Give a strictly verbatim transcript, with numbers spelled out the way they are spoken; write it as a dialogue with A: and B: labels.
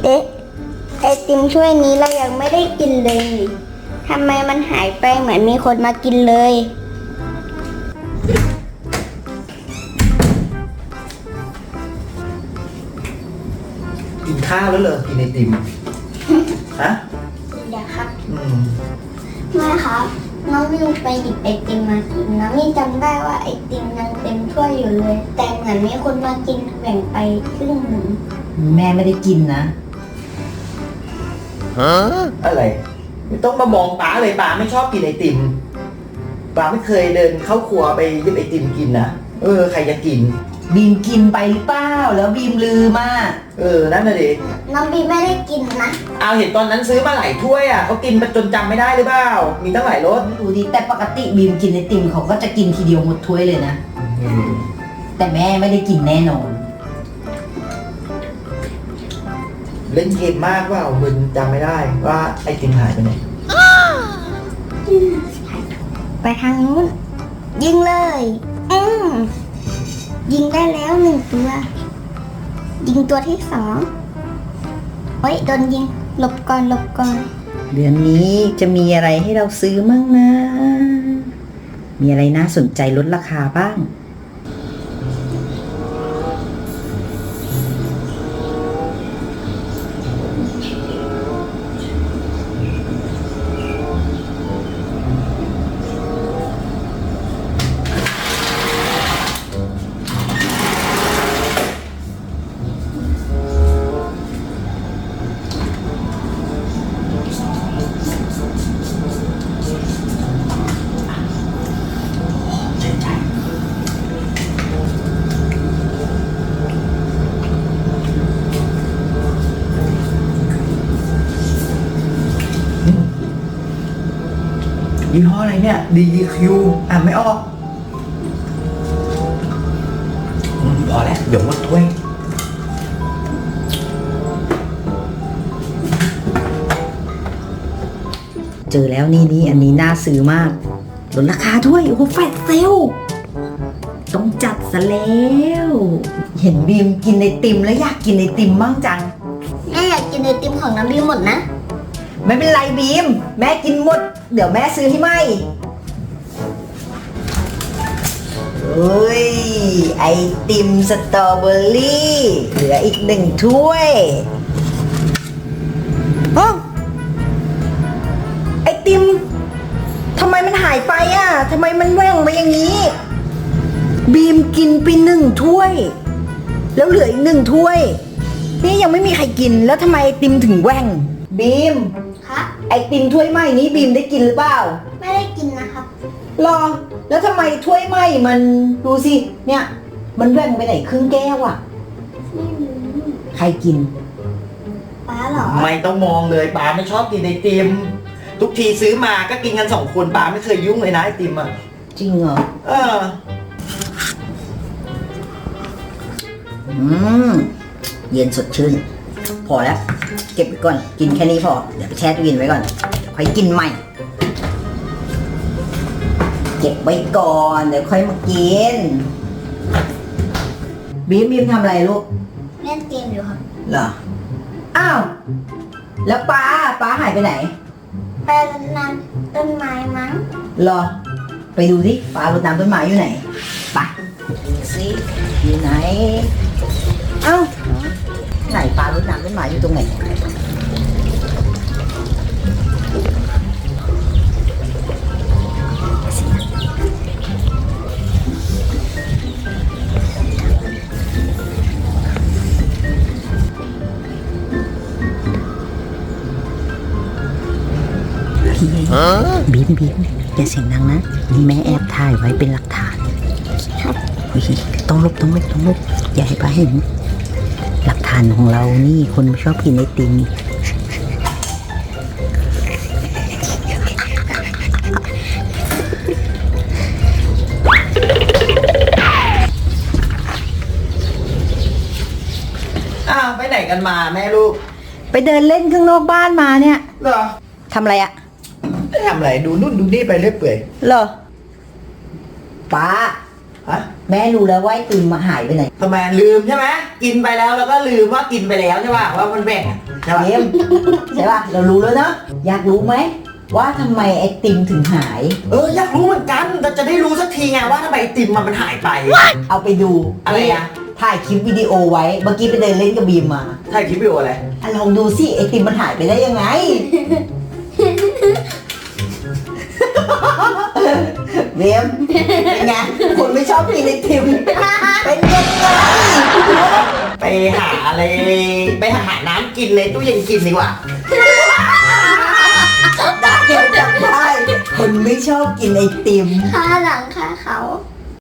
A: เอ๊ะไอติมถ้วยนี้เรายังไม่ได้กินเลยทำไมมันหายไปเหมือนมีคนมากินเลย
B: กินข้าวแล้วเหรอกินไอติมฮะ
A: เดี๋ยวครับ
B: อืม
A: แม่ครับน้องวิวไปหยิบไอติมมากินน้องวิวจำได้ว่าไอติมยังเต็มถ้วยอยู่เลย แต่เหมือนมีคนมากินแบ่งไปครึ่งหนึ่ง
C: แม่ไม่ได้กินนะ
B: ฮะอะไรไม่ต้องมามองป๋าเลยป๋าไม่ชอบกินไอติมป๋าไม่เคยเดินเข้าครัวไปหยิบไอติมกินนะเออใครจะกิน
C: บีมกินไปหรือเปล่าแล้วบีมลืมอ่ะ
B: เออนั่นน่ะดิ
A: น้องบีมไม่ได้กินนะ
B: เอาเห็นตอนนั้นซื้อมาหลายถ้วยอ่ะเขากินมาจนจำไม่ได้หรือเปล่ามีตั้งหลายรส
C: ไม่รู้ดิแต่ปกติบีมกินไอติมเขาก็จะกินทีเดียวหมดถ้วยเลยนะแต่แม่ไม่ได้กินแน่นอน
B: เล่นเกมมากว่ามึนจำไม่ได้ว่าไอติมหายไปไหน
A: ไปทางนู้นยิงเลยอืมยิงได้แล้วหนึ่งตัวยิงตัวที่สองเฮ้ยโดนยิงหลบก่อนหลบก่อน
C: เดือนนี้จะมีอะไรให้เราซื้อมั่งนะมีอะไรน่าสนใจลดราคาบ้าง
B: ยี่ห้ออะไรเนี่ย ดี คิว อ่านไม่ออกอืมพอแล้วเดี๋ยวหมดถ้วย
C: เจอแล้วนี่นี่อันนี้น่าซื้อมากลดราคาด้วยโอ้โหแฟลชเซลต้องจัดซะแล้วเห็นบีมกินไอติมแล้วอยากกินไอติมบ้างจัง
A: แม่อยากกินไอติมของน้ำบีมหมดนะ
C: ไม่เป็นไรบีมแม่กินหมดเดี๋ยวแม่ซื้อให้ไหมเฮ้ยไอติมสตรอเบอรี่เหลืออีกหนึ่งถ้วยอ๋อไอติมทำไมมันหายไปอ่ะทำไมมันแหว่งไปอย่างนี้บีมกินไปหนึ่งถ้วยแล้วเหลืออีกหนึ่งถ้วยนี่ยังไม่มีใครกินแล้วทำไมไอติมถึงแหว่งบีม
A: คะ
C: ไอติมถ้วยไหม้นี้บีมได้กินหรือเปล่า
A: ไม่ได้กินนะครับ
C: รอแล้วทำไมถ้วยไหม้มันดูสิเนี่ยมันแหว่งไปไหนครึ่งแก้วอ่ะ
A: ไม่รู้
C: ใครกิน
A: ป้าเหรอ
B: ไม่ต้องมองเลยป้าไม่ชอบกินไอติมทุกทีซื้อมาก็กินกันสองคนป้าไม่เคยยุ่งเลยนะไอติมอ่ะ
C: จริงเหรอ
B: เออ
C: อืมเย็นสดชื่นพอแล้วเก็บไว้ก่อนกินแค่นี้พอเดี๋ยวไปแช่ตู้เย็นไว้ก่อนค่อยกินใหม่เก็บไว้ก่อนเดี๋ยวค่อยมากินบีมบีมทำอะไรลูก
A: เล่นเกมอยู่ครับ
C: เหรออ้าวแล้วป้าป้าหายไปไหน
A: ไปรดน้ำต้นไม้มั้ง
C: เหรอไปดูดิป้ารดน้ำต้นไม้อยู่ไหนไปสิอยู่ไหนเอ้าไหนปลารดน้ำต้นไม้อยู่ตรงไหนบีมบีมอย่าเสียงดังนะนี่แม่แอบถ่ายไว้เป็นหลักฐานครับต้องลบต้องลบต้องลบอย่าให้ป้าเห็นหลักฐานของเรานี่คนชอบกินไอติม
B: อ้าวไปไหนกันมาแม่ลูก
C: ไปเดินเล่นข้างนอกบ้านมาเนี่ย
B: เหรอ
C: ทำอะไรอะ
B: ไม่ทำอะไรดูนู่นดูนี่ไปเรื่อยเปื่อย
C: เหรอป้า
B: ฮะ
C: แม่รู้แล้วว่าไอติมมาหายไปไหน
B: ทำไมลืมใช่ไหมกินไปแล้วแล้วก็ลืมว่ากินไปแล้วใช่ป่ะว่ามันแบ่งใช่ป่ะ
C: เอ็มใช่ป่ะเรารู้แล้วเนาะอยากรู้ไหมว่าทำไมไอติมถึงหาย
B: เอออยากรู้เหมือนกันแต่จะได้รู้สักทีไงว่าทำไมไอติมมันมันหายไป
C: เอาไปดู
B: อะไรอะ
C: ถ่ายคลิปวิดีโอไว้เมื่อกี้ไปเดินเล่นกับบีมมา
B: ถ่ายคลิปวิดีโออะไร
C: อ่ะลองดูสิไอติมมันหายไปได้ยังไง เบีมเป็นไงคนไม่ชอบกินไอติมเป็นยังไง
B: ไปหาอะไรไปหาน้ำกินในตู้เย็นกินดีกว่า
C: ได้จับได้คนไม่ชอบกินไอติม
A: ค่าหลังค่าเขา